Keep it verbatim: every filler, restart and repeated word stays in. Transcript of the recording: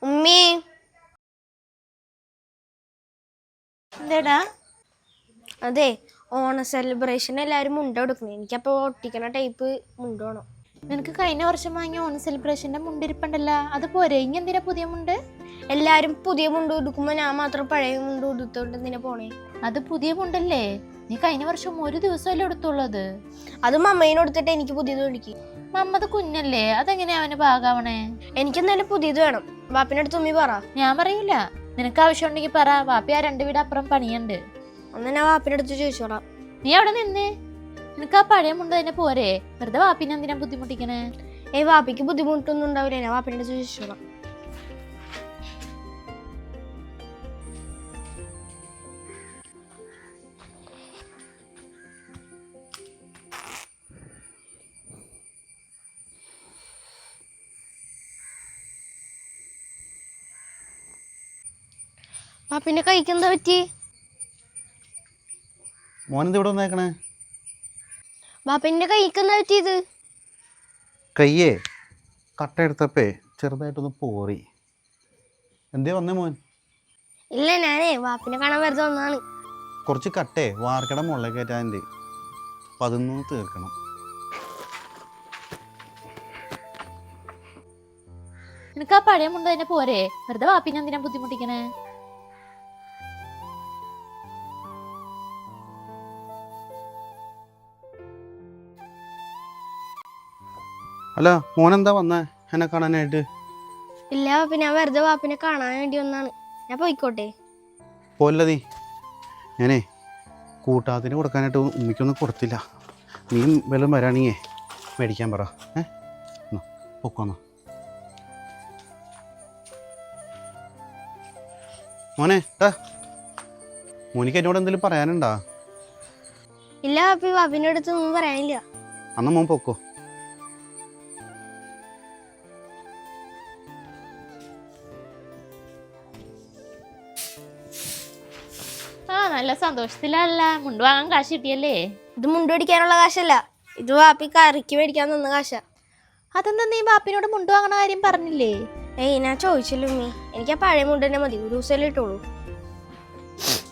ഉമ്മി എന്താടാ? അതെ, ഓണ സെലിബ്രേഷൻ എല്ലാവരും മുണ്ട കൊടുക്കണം. എനിക്കപ്പോൾ ഒട്ടിക്കണ ടൈപ്പ് മുണ്ട് വേണം. നിനക്ക് കഴിഞ്ഞ വർഷം വാങ്ങിയ ഓണ സെലിബ്രേഷന്റെ മുണ്ടിരിപ്പുണ്ടല്ലോ, അത് പോരെ? ഇനി എന്തിനാ പുതിയ മുണ്ട്? എല്ലാരും പുതിയ മുണ്ട് കൊടുക്കുമ്പോ ഞാൻ മാത്രം പഴയ മുണ്ട് കൊടുത്തോണ്ട് എന്തിനാ പോണേ? അത് പുതിയ മുണ്ടല്ലേ, നീ കഴിഞ്ഞ വർഷം ഒരു ദിവസമല്ലേ എടുത്തുള്ളത്. അത് മമ്മേനെ കൊടുത്തിട്ട് എനിക്ക് പുതിയത് മേടിക്കും. മമ്മത് കുഞ്ഞല്ലേ, അതെങ്ങനെയാ അവന് ഭാഗാവണേ? എനിക്കെന്തായാലും പുതിയത് വേണം. വാപ്പിന്റെ അടുത്ത് ഉമ്മി പറ. ഞാൻ പറയൂല, നിനക്ക് ആവശ്യം ഉണ്ടെങ്കിൽ പറ. വാപ്പി ആ രണ്ട് വീട് അപ്പുറം പണിയുണ്ട്. ഒന്ന് ഞാൻ വാപ്പിന്റെ അടുത്ത് ചോദിച്ചോളാം. നീ അവിടെ നിന്നേ, നിനക്ക് ആ പഴയ മുണ്ട് തന്നെ പോരെ? വെറുതെ വാപ്പിനെ എന്തിനാ ബുദ്ധിമുട്ടിക്കണേ? ഏയ് വാപ്പിക്ക് ബുദ്ധിമുട്ടൊന്നും ഉണ്ടാവില്ല, ഞാൻ വാപ്പിന്റെ അടുത്ത് ചോദിച്ചോളാം. വാപ്പിന്റെ കൈക്ക് എന്താ പറ്റി? മോനെന്ത് ഇവിടെ വന്നേക്കണേ? വാപ്പിന്റെ കൈക്ക് എന്താ പറ്റിയത്? കയ്യേ കട്ട എടുത്തപ്പേ ചെറുതായിട്ടൊന്ന് പോറി. എന്തേ വന്നേ മോൻ? ഇല്ല, ഞാനേ വാപ്പിനെ കാണാൻ വെറുതെ വന്നാണ്. കുറച്ച് കട്ടേ വാർക്കട മുകളിൽ കയറ്റാൻ്റെ, അപ്പം അതൊന്നും തീർക്കണം. നിനക്ക് ആ പഴയ മുണ്ട് തന്നെ പോരെ? വെറുതെ വാപ്പിനെ എന്തിനാ ബുദ്ധിമുട്ടിക്കണേ? അല്ല മോനെന്താ വന്നേ എന്നെ കാണാനായിട്ട്? ഇല്ല വാപ്പി, ഞാൻ വെറുതെ വാപ്പിനെ കാണാൻ വേണ്ടി വന്നാണ്. ഞാൻ പോയിക്കോട്ടെ? പോലതി, ഞാനേ കൂട്ടാത്തിന് കൊടുക്കാനായിട്ട് ഉമ്മിക്കൊന്നും കൊടുത്തില്ല. നീ വല്ലതും വരാണിയേ മേടിക്കാൻ പറ. ഏ പൊക്കോന്നോ മോനെ. ഏ മോനിക്ക് എന്നോട് എന്തെങ്കിലും പറയാനുണ്ടാ? ഇല്ല വാപ്പി, വാപ്പിന്റെ അടുത്ത് ഒന്നും പറയാനില്ല. അന്ന് മോൻ പൊക്കോ. ആ, നല്ല സന്തോഷത്തിലല്ല മുണ്ട് വാങ്ങാൻ കാശ് കിട്ടിയല്ലേ? ഇത് മുണ്ട് മേടിക്കാനുള്ള കാശല്ല, ഇത് വാപ്പി കറിക്ക് മേടിക്കാൻ തന്ന കാശാ. അതെന്താ നീ ബാപ്പിനോട് മുണ്ട് വാങ്ങണ കാര്യം പറഞ്ഞില്ലേ? ഏയ് ഞാൻ ചോദിച്ചില്ല ഉമ്മി, എനിക്ക് ആ പഴയ മുണ്ട് തന്നെ മതി, ഒരു ദിവസം ഇട്ടോളൂ.